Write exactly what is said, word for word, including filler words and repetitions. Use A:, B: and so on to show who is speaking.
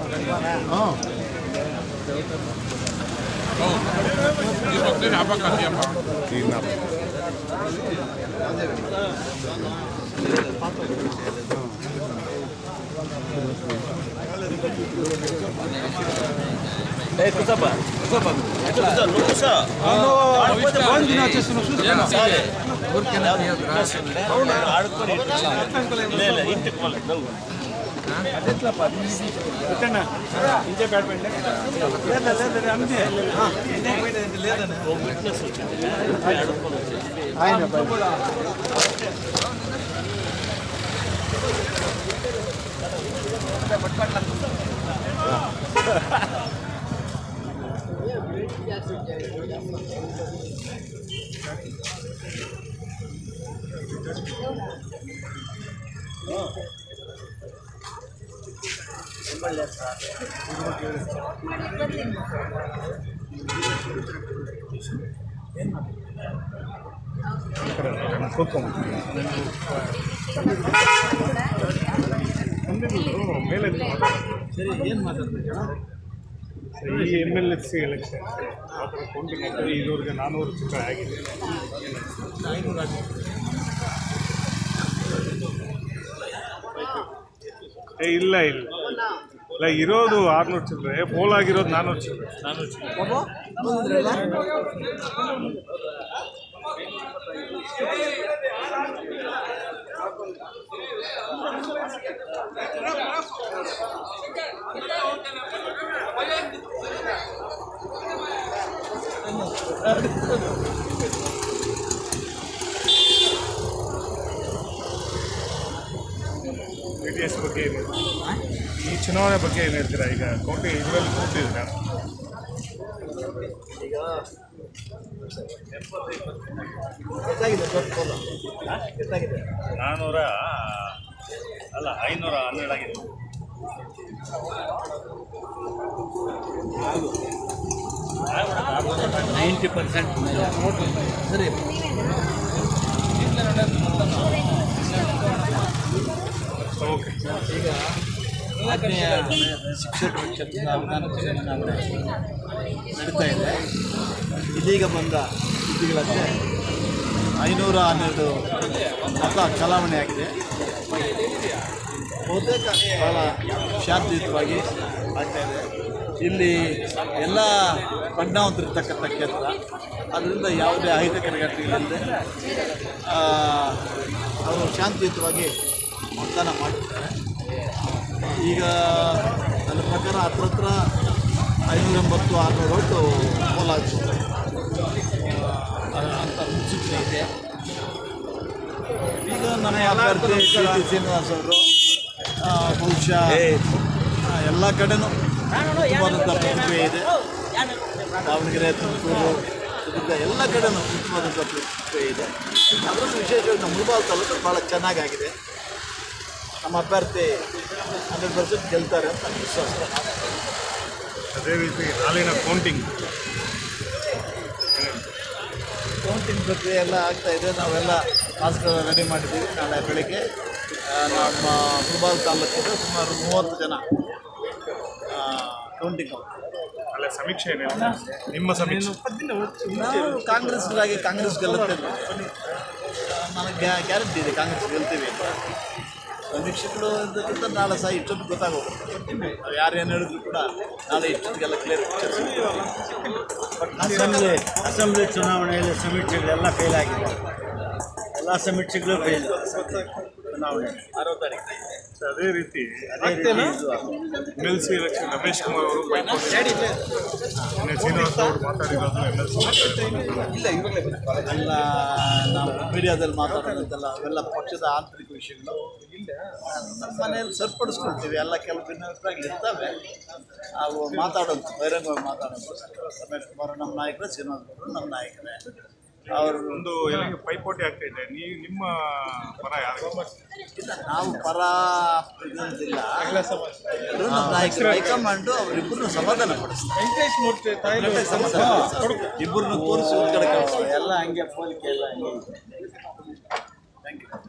A: Oh.
B: Oh, di bakit apa kasi apa?
A: Tinap.
C: Eh, cosa fa? Cosa fa? Cosa non lo sa?
A: No, quando non c'è sono su.
C: అవును ఆడుకొని లేదు ఇంటికి పోలేదు నువ్వు అదెట్లప్ప ఇట్టన్నా ఇంటే badminton లేదు లేదు అంతే లేదన్న ఓ విట్నెస్ వచ్చింది ఆడుకొని వచ్చేసి
A: ఆయన ಮೇಲೆ
C: ಸರಿ ಏನು ಮಾತಾಡ್ತೀರಾ
A: ಈ M L S C election ಆ ಥರ ಕೌಂಟಿಂಗ್ ಆಗ್ತದೆ. ಇದುವರೆಗೆ ನಾನ್ನೂರು ಚಿತ್ರ ಆಗಿದೆ. ಏ ಇಲ್ಲ ಇಲ್ಲ ಇಲ್ಲ ಇರೋದು ಆರುನೂರು ಚಿಲ್ಲರೆ, ಪೋಲ್ ಆಗಿರೋದು ನಾನ್ನೂರು ಚಿಲ್ಲರೆ. ನಾನ್ನೂರು ಚಿಲ್ಲರೆ ಬಿ ಟಿ ಎಸ್ ಬಗ್ಗೆ ಏನು ಈ ಚುನಾವಣೆ ಬಗ್ಗೆ ಏನು ಹೇಳ್ತೀರಾ? ಈಗ ಕೌಂಟಿಂಗ್ ಇದರಲ್ಲಿ ಕೂತಿದ್ದೀರಾ?
C: ಈಗ ಎಷ್ಟಾಗಿದೆ ಎಷ್ಟಾಗಿದೆ
D: ನಾನ್ನೂರ ಅಲ್ಲ ಐನೂರ ಹನ್ನೆರಡು ಆಗಿದೆ.
C: ನೈಂಟಿ ಪರ್ಸೆಂಟ್ ಸರಿ
A: ಓಕೆ.
C: ಈಗ ಆತ್ಮೀಯ ಶಿಕ್ಷಕ ಕ್ಷೇತ್ರದ ಅವಧಾನ ಚುನಾವಣೆ ನಡೀತಾ ಇದೆ. ಇದೀಗ ಬಂದ ಸುದ್ದಿಗಳಂತೆ ಐನೂರ ಹನ್ನೆರಡು ಮತ ಚಲಾವಣೆ ಆಗಿದೆ. ಬಹುತೇಕ ಭಾಳ ಶಾಂತಿಯುತವಾಗಿ ಆಗ್ತಾ ಇದೆ. ಇಲ್ಲಿ ಎಲ್ಲ ಬಣ್ಣವಂತರಿರ್ತಕ್ಕಂಥ ಕ್ಷೇತ್ರ, ಅದರಿಂದ ಯಾವುದೇ ಅಹಿತಕರ ಘಟನೆಗಳಿಲ್ಲದೆ ಅವರು ಶಾಂತಿಯುತವಾಗಿ ಮತದಾನ ಮಾಡಿರ್ತಾರೆ. ಈಗ ನನ್ನ ಪ್ರಕಾರ ಹತ್ರ ಹತ್ರ ಐನೂರ ಎಂಬತ್ತು ಆರುನೂರು ಒಟ್ಟು ಪೋಲಾಗ್ತದೆ ಅಂತ ಮುನ್ಸೂಚನೆ ಇದೆ. ಈಗ ನನ್ನ ಅಭ್ಯರ್ಥಿ ಕೆ ಟಿ ಶ್ರೀನಿವಾಸ್ ಅವರು ಬಹುಶಃ ಎಲ್ಲ ಕಡೆನೂ ಉತ್ತಮವಾದಂಥ ಪ್ರತಿಕ್ರಿಯೆ ಇದೆ. ದಾವಣಗೆರೆ, ತುಮಕೂರು, ಚಿತ್ರದುರ್ಗ ಎಲ್ಲ ಕಡೆನೂ ಉತ್ತಮವಾದಂಥ ಪ್ರತಿಕ್ರಿಯೆ ಇದೆ. ಅದರಲ್ಲೂ ವಿಶೇಷವಾಗಿ ನಮ್ಮ ಮುಳಬಾಗಿಲು ತಾಲೂಕು ಭಾಳ ಚೆನ್ನಾಗಾಗಿದೆ. ನಮ್ಮ ಅಭ್ಯರ್ಥಿ ಹಂಡ್ರೆಡ್ ಪರ್ಸೆಂಟ್ ಗೆಲ್ತಾರೆ ಅಂತ ವಿಶ್ವಾಸ.
A: ಅದೇ ರೀತಿ ನಾಳಿನ ಕೌಂಟಿಂಗ್
C: ಕೌಂಟಿಂಗ್ ಪ್ರಕ್ರಿಯೆ ಎಲ್ಲ ಆಗ್ತಾಯಿದೆ. ನಾವೆಲ್ಲ ಮಾಸ್ಕ್ಗಳನ್ನ ರೆಡಿ ಮಾಡಿದ್ದೀವಿ. ನಾಳೆ ಬೆಳಗ್ಗೆ ನಮ್ಮ ಮುಳಬಾಗಿಲು ತಾಲೂಕಿಗೆ ಸುಮಾರು ಮೂವತ್ತು ಜನ ಕೌಂಟಿಂಗ್
A: ಅಲ್ಲ ಸಮೀಕ್ಷೆ ಏನಿಲ್ಲ, ನಿಮ್ಮ ಸಮೀಕ್ಷೆ
C: ನಾವು ಕಾಂಗ್ರೆಸ್ಗಾಗಿ ಕಾಂಗ್ರೆಸ್ ಗೆಲ್ಲುತ್ತೆ ನನಗೆ ಗ್ಯಾ ಗ್ಯಾರಂಟಿ ಇದೆ ಕಾಂಗ್ರೆಸ್ ಗೆಲ್ತೀವಿ ಅಂತ. ಸಮೀಕ್ಷೆಗಳು ಇದಕ್ಕಿಂತ ನಾಳೆ ಸಹ ಇಷ್ಟೊತ್ತು ಗೊತ್ತಾಗೋಗುತ್ತೆ. ನಾವು ಯಾರು ಏನು ಹೇಳಿದ್ರು ಕೂಡ ನಾಳೆ ಇಷ್ಟೊತ್ತಿಗೆಲ್ಲ ಕ್ಲಿಯರ್ ಬಟ್
D: ಅಸೆಂಬ್ಲಿ ಅಸೆಂಬ್ಲಿ ಚುನಾವಣೆಯಲ್ಲಿ ಸಮೀಕ್ಷೆಗಳೆಲ್ಲ ಫೇಲ್ ಆಗಿದೆ. ಎಲ್ಲ ಸಮೀಕ್ಷೆಗಳು ಫೇಲ್ ಚುನಾವಣೆ
C: ಆರೋ ತಾರೀಕು.
A: ಅದೇ ರೀತಿ
D: ಅದೇ ರೀತಿ
A: M L C election Ramesh Kumar ಅವರು ಬೈಕ್ ಶ್ರೀನಿವಾಸ್ ಅವರು ಮಾತಾಡಿರೋದು ಎಮ್ ಎಲ್ ಸಿ
C: ಎಲ್ಲ ನಾವು ಮೀಡಿಯಾದಲ್ಲಿ ಮಾತಾಡೋದಂತೆಲ್ಲ ಅವೆಲ್ಲ ಪಕ್ಷದ ಆಂತರಿಕ ವಿಷಯಗಳು ನಮ್ಮ ಮನೆಯಲ್ಲಿ ಸರಿಪಡಿಸ್ಕೊಳ್ತೀವಿ. ಎಲ್ಲ ಕೆಲವು ಭಿನ್ನಾಭಿಪ್ರಾಯಗಳು ಇರ್ತವೆ, ಅವು ಮಾತಾಡೋದು ಬಹಿರಂಗವಾಗಿ ಮಾತಾಡೋದು. ರಮೇಶ್ ಕುಮಾರ್ ನಮ್ಮ ನಾಯಕರೇ, ಶ್ರೀನಿವಾಸ್ ಅವರು ನಮ್ಮ ನಾಯಕರೇ. ಅವರು
A: ಒಂದು ಪೈಪೋಟಿ ಆಗ್ತಾ ಇದೆ. ನೀವು ನಿಮ್ಮ ಪರ ಯಾರು?
C: ಇಲ್ಲ, ನಾವು ಪರ ಇದಂತಿಲ್ಲ. ನಮ್ಮ ನಾಯಕರು ಹೈಕಮಾಂಡು ಅವರಿಬ್ಬರನ್ನು ಸಮಾಧಾನ ಪಡಿಸ್ತಾರೆ. ಇಬ್ಬರನ್ನು ತೋರಿಸಿ ಒಂದು ಕಡೆ ಕಳಿಸ್ತಾರೆ. ಎಲ್ಲ ಹಂಗೆ ಹೋಲಿಕೆ ಎಲ್ಲ ಹಂಗೆ. Thank you.